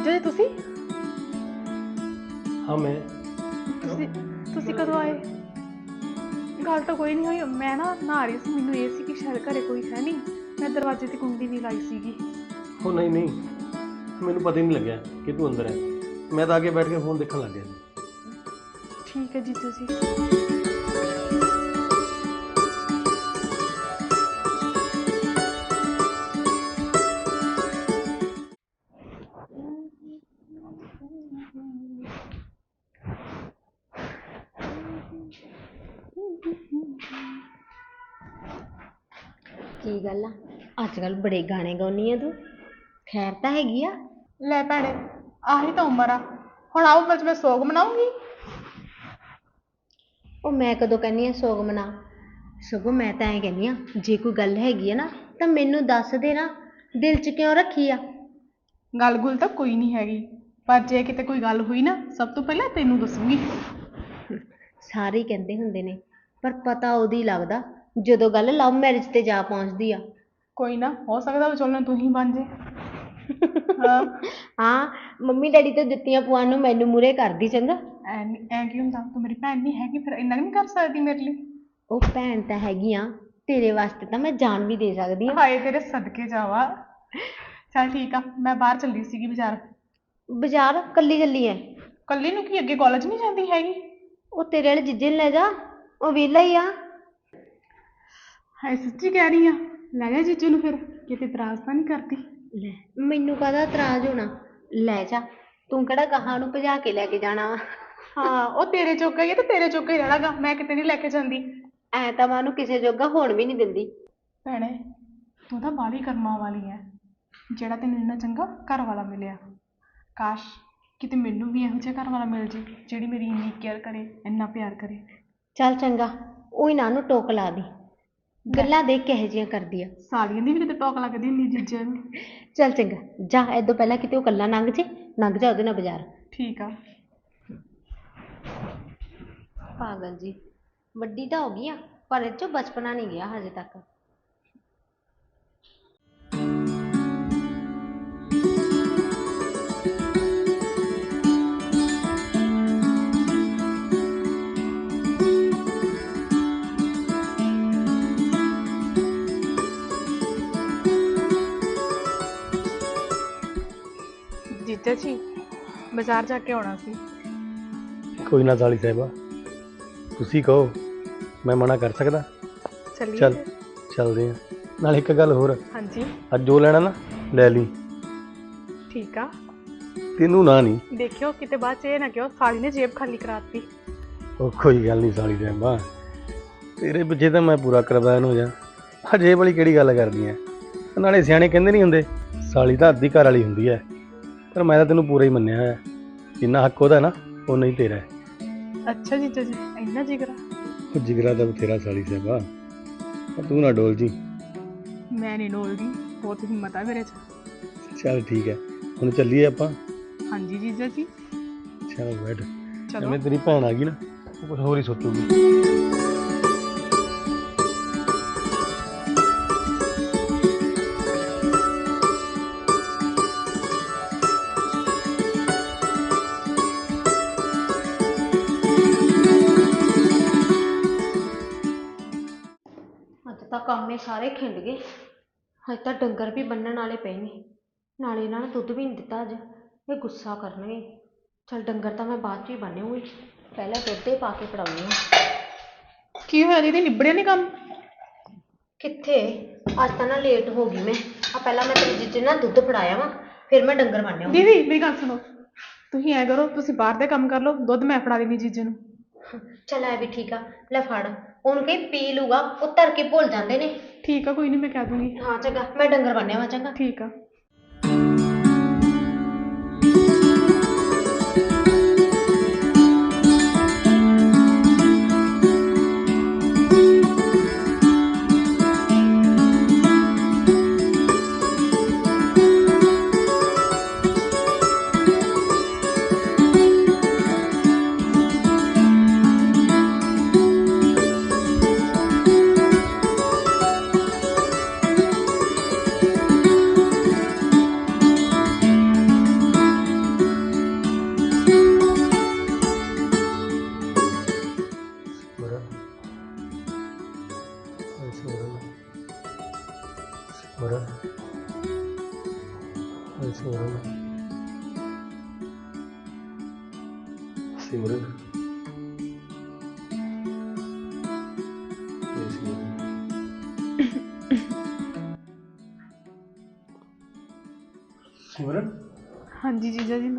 जीजा जी तुसी हाँ मैं तुसी कदों आए? गल तो कोई नहीं हुई। मैं ना नहा रही सी, मैनू ये सी कि शायद घरे कोई है नहीं। मैं दरवाजे की कुंडी नहीं लाई सीगी। हो नहीं नहीं मैनू पता ही नहीं लग्या कि तू अंदर है। मैं तो आगे बैठ के फोन देखने लग गया। ठीक है जीजा जी। ਕੀ ਗੱਲ ਆ ਅੱਜ ਕੱਲ ਬੜੇ ਗਾਣੇ ਗਾਉਣੀ ਆ ਤੂੰ? ਖੈਰ ਤਾਂ ਹੈਗੀ ਆ? ਲੈ ਭੈਣੇ, ਆਹੀ ਤਾਂ ਉਮਰ ਆ। ਹੁਣ ਆਓ ਬਸ ਮੈਂ ਸੋਗ ਮਨਾਉਂਗੀ। ਉਹ ਮੈਂ ਕਦੋਂ ਕਹਿੰਦੀ ਆ ਸੋਗ ਮਨਾ? ਸਗੋਂ ਮੈਂ ਤਾਂ ਐਂ ਕਹਿੰਦੀ ਆ, ਜੇ ਕੋਈ ਗੱਲ ਹੈਗੀ ਆ ਨਾ ਤਾਂ ਮੈਨੂੰ ਦੱਸ ਦੇ ਨਾ, ਦਿਲ 'ਚ ਕਿਉਂ ਰੱਖੀ ਆ? ਗੱਲ ਗੁੱਲ ਤਾਂ ਕੋਈ ਨਹੀਂ ਹੈਗੀ, ਪਰ ਜੇ ਕਿਤੇ ਕੋਈ ਗੱਲ ਹੋਈ ਨਾ ਸਭ ਤੋਂ ਪਹਿਲਾਂ ਤੈਨੂੰ ਦੱਸੂਗੀ। ਸਾਰੇ ਹੀ ਕਹਿੰਦੇ ਹੁੰਦੇ ਨੇ, ਪਰ ਪਤਾ ਉਦੋਂ ਹੀ ਲੱਗਦਾ ਜਦੋਂ ਗੱਲ ਲਵ ਮੈਰਿਜ ਤੇ ਜਾ ਪਹੁੰਚਦੀ ਆ। ਕੋਈ ਨਾ, ਹੋ ਸਕਦਾ ਵਿਚੋਲਣ ਤੂੰ ਹੀ ਬਣ ਜੇ। ਹਾਂ ਹਾਂ, ਮੰਮੀ ਡੈਡੀ ਤੋਂ ਜੁੱਤੀਆਂ ਪਵਾਉਣ ਨੂੰ ਮੈਨੂੰ ਮੂਹਰੇ ਕਰਦੀ। ਚੰਗਾ, ਐ ਕੀ ਹੁੰਦਾ? ਤੂੰ ਮੇਰੀ ਭੈਣ ਨਹੀਂ ਹੈਗੀ, ਫਿਰ ਇੰਨਾ ਨਹੀਂ ਕਰ ਸਕਦੀ ਮੇਰੇ ਲਈ? ਉਹ ਭੈਣ ਤਾਂ ਹੈਗੀ ਆ, ਤੇਰੇ ਵਾਸਤੇ ਤਾਂ ਮੈਂ ਜਾਨ ਵੀ ਦੇ ਸਕਦੀ ਆ। ਹਾਏ ਤੇਰੇ ਸਦਕੇ ਜਾਵਾ। ਚੱਲ ਠੀਕ ਆ, ਮੈਂ ਬਾਹਰ ਚੱਲੀ ਸੀਗੀ ਬਾਜ਼ਾਰ। ਬਾਜ਼ਾਰ ਕੱਲੀ ਚੱਲੀ ਐ? ਕੱਲੀ ਨੂੰ ਕੀ, ਅੱਗੇ ਕਾਲਜ ਨਹੀਂ ਜਾਂਦੀ ਹੈਗੀ? ਉਹ ਤੇਰੇ ਵਾਲੇ ਜੀਜੇ ਨੂੰ ਲੈ ਜਾ, ਉਹ ਵਿਹਲਾ ਹੀ ਆ। ਹਾਏ ਸੱਚੀ ਕਹਿ ਰਹੀ ਆ? ਲੈ ਜਾ ਜੀਜੂ ਨੂੰ, ਫਿਰ ਕਿਤੇ ਇਤਰਾਜ਼ ਤਾਂ ਨਹੀਂ ਕਰਦੀ? ਲੈ, ਮੈਨੂੰ ਕਾਹਦਾ ਇਤਰਾਜ਼ ਹੋਣਾ, ਲੈ ਜਾ। ਤੂੰ ਕਿਹੜਾ ਗਾਹਾਂ ਨੂੰ ਭਜਾ ਕੇ ਲੈ ਕੇ ਜਾਣਾ ਵਾ? ਹਾਂ, ਉਹ ਤੇਰੇ ਜੋਗਾ ਹੀ ਆ ਤੇ ਤੇਰੇ ਜੋਗਾ ਹੀ ਰਹਿਣਾਗਾ, ਮੈਂ ਕਿਤੇ ਨਹੀਂ ਲੈ ਕੇ ਜਾਂਦੀ। ਐ ਤਾਂ ਮੈਂ ਉਹਨੂੰ ਕਿਸੇ ਜੋਗਾ ਹੋਣ ਵੀ ਨਹੀਂ ਦਿੰਦੀ। ਭੈਣੇ, ਤੂੰ ਤਾਂ ਬਾਹਲੀ ਕਰਮਾਂ ਵਾਲੀ ਐ, ਜਿਹੜਾ ਤੈਨੂੰ ਇੰਨਾ ਚੰਗਾ ਘਰ ਵਾਲਾ ਮਿਲਿਆ। ਕਾਸ਼ ਕਿਤੇ ਮੈਨੂੰ ਵੀ ਇਹੋ ਜਿਹਾ ਘਰ ਵਾਲਾ ਮਿਲ ਜੇ, ਜਿਹੜੀ ਮੇਰੀ ਇੰਨੀ ਕੇਅਰ ਕਰੇ, ਇੰਨਾ ਪਿਆਰ ਕਰੇ। ਚੱਲ ਚੰਗਾ, ਉਹੀ ਨਾ ਉਹਨੂੰ ਟੋਕ ਲਾ ਦੀ, ਗੱਲਾਂ ਦੇਖ ਕਿਹੋ ਜਿਹੀਆਂ ਕਰਦੀ ਆ। ਸਾਲੀਆਂ ਦੀ ਵੀ ਕਿਤੇ ਟੋਕ ਲੱਗਦੀ ਹੁੰਦੀ ਜੀਜੇ ਨੂੰ। ਚੱਲ ਚੰਗਾ, ਜਾ ਏਦੋਂ ਪਹਿਲਾਂ ਕਿਤੇ ਉਹ ਇਕੱਲਾ ਲੰਘ ਜੇ, ਲੰਘ ਜਾ ਉਹਦੇ ਨਾਲ ਬਾਜ਼ਾਰ। ਠੀਕ ਆ। ਪਾਗਲ ਜੀ, ਵੱਡੀ ਤਾਂ ਹੋ ਗਈ ਆ, ਪਰ ਇਹ 'ਚੋਂ ਬਚਪਨਾ ਨਹੀਂ ਗਿਆ ਹਜੇ ਤੱਕ। ਜੀਜਾ ਜੀ, ਬਾਜ਼ਾਰ ਜਾ ਕੇ ਆਉਣਾ ਸੀ। ਕੋਈ ਨਾ ਸਾਲੀ ਸਾਹਿਬਾ, ਤੁਸੀਂ ਕਹੋ, ਮੈਂ ਮਨਾ ਕਰ ਸਕਦਾ? ਚੱਲੀਏ? ਚੱਲ ਚੱਲਦੇ ਆ। ਨਾਲ ਇੱਕ ਗੱਲ ਹੋਰ, ਹਾਂਜੀ। ਅੱਜ ਜੋ ਲੈਣਾ ਨਾ ਲੈ ਲਈ। ਠੀਕ ਆ। ਤੈਨੂੰ ਨਾ ਨਹੀਂ ਦੇਖਿਓ ਕਿਤੇ ਬਾਅਦ ਚ ਇਹ ਨਾ ਕਿਉਂ ਸਾਲੀ ਨੇ ਜੇਬ ਖਾਲੀ ਕਰਾਤੀ। ਉਹ ਕੋਈ ਗੱਲ ਨਹੀਂ ਸਾਲੀ ਸਾਹਿਬਾ, ਤੇਰੇ ਪਿੱਛੇ ਤਾਂ ਮੈਂ ਪੂਰਾ ਕੁਰਬਾਨ ਹੋ ਜਾ। ਹਜੇ ਵਾਲੀ ਕਿਹੜੀ ਗੱਲ ਕਰਦੀ ਐ? ਨਾਲੇ ਸਿਆਣੇ ਕਹਿੰਦੇ ਨਹੀਂ ਹੁੰਦੇ, ਸਾਲੀ ਤਾਂ ਅੱਧੀ ਘਰ ਵਾਲੀ ਹੁੰਦੀ ਐ। ਪਰ ਮੈਂ ਤਾਂ ਤੈਨੂੰ ਪੂਰਾ ਹੀ ਮੰਨਿਆ ਹੋਇਆ, ਜਿੰਨਾ ਹੱਕ ਉਹਦਾ ਨਾ ਓਨਾ ਹੀ ਤੇਰਾ ਹੈ। ਅੱਛਾ ਜੀਜਾ ਜੀ, ਇੰਨਾ ਜਿਗਰਾ? ਉਹ ਜਿਗਰਾ ਤਾਂ ਬਥੇਰਾ ਸਾਲੀ ਸਾਹਿਬਾ, ਪਰ ਤੂੰ ਨਾ ਡੋਲ ਜੀ। ਮੈਂ ਨਹੀਂ ਡੋਲਦੀ, ਬਹੁਤ ਹਿੰਮਤ ਆ ਮੇਰੇ 'ਚ। ਚੱਲ ਠੀਕ ਹੈ, ਹੁਣ ਚੱਲੀਏ ਆਪਾਂ। ਹਾਂਜੀ ਜੀਜਾ ਜੀ। ਚੱਲ ਬੈਠ। ਚਲੋ। ਜਿਵੇਂ ਤੇਰੀ ਭੈਣ ਆ ਗਈ ਨਾ, ਉਹ ਕੁਝ ਹੋਰ ਹੀ ਸੋਚੂਗੀ। ਅੱਜ ਤਾਂ ਕੰਮ ਇਹ ਸਾਰੇ ਖਿੰਡ ਗਏ, ਅੱਜ ਤਾਂ ਡੰਗਰ ਵੀ ਬੰਨਣ ਵਾਲੇ ਪਏ ਨੇ, ਨਾਲੇ ਇਹਨਾਂ ਨੂੰ ਦੁੱਧ ਵੀ ਨਹੀਂ ਦਿੱਤਾ ਅੱਜ, ਇਹ ਗੁੱਸਾ ਕਰਨਗੇ। ਚੱਲ ਡੰਗਰ ਤਾਂ ਮੈਂ ਬਾਅਦ 'ਚ ਹੀ ਬੰਨ੍ਹੂੰਗੀ, ਪਹਿਲਾਂ ਦੁੱਧ ਹੀ ਪਾ ਕੇ ਪਿਲਾਉਂਦੀ ਹਾਂ। ਕੀ ਹੋਇਆ ਦੀਦੀ, ਨਿਬੜਿਆ ਨਹੀਂ ਕੰਮ? ਕਿੱਥੇ, ਅੱਜ ਤਾਂ ਨਾ ਲੇਟ ਹੋ ਗਈ ਮੈਂ। ਪਹਿਲਾਂ ਮੈਂ ਤੇਰੇ ਜੀਜੇ ਨਾਲ ਦੁੱਧ ਫੜਾਇਆ ਵਾ, ਫਿਰ ਮੈਂ ਡੰਗਰ ਬੰਨ੍ਹਿਆ। ਦੀਦੀ ਮੇਰੀ ਗੱਲ ਸੁਣੋ, ਤੁਸੀਂ ਐ ਕਰੋ, ਤੁਸੀਂ ਬਾਹਰ ਦੇ ਕੰਮ ਕਰ ਲਓ, ਦੁੱਧ ਮੈਂ ਫੜਾ ਦੇਣੀ ਜੀਜੇ ਨੂੰ। ਚੱਲ ਐ ਵੀ ਠੀਕ ਆ, ਲੈ ਫੜ। ਉਹਨੂੰ ਕਹੀ ਪੀ ਲੂਗਾ, ਉਹ ਧਰ ਕੇ ਭੁੱਲ ਜਾਂਦੇ ਨੇ। ਠੀਕ ਆ, ਕੋਈ ਨਹੀਂ, ਮੈਂ ਕਹਿ ਦੂੰਗੀ। ਹਾਂ ਚੰਗਾ, ਮੈਂ ਡੰਗਰ ਬੰਨ੍ਹਿਆ ਵਾ। ਚੰਗਾ ਠੀਕ ਆ। ਹੋਰ ਸਿਮਰਨ ਸਿਮਰਨ ਇਹ ਸਿਮਰਨ ਸਿਮਰਨ ਹਾਂਜੀ ਜੀਜਾ ਜੀ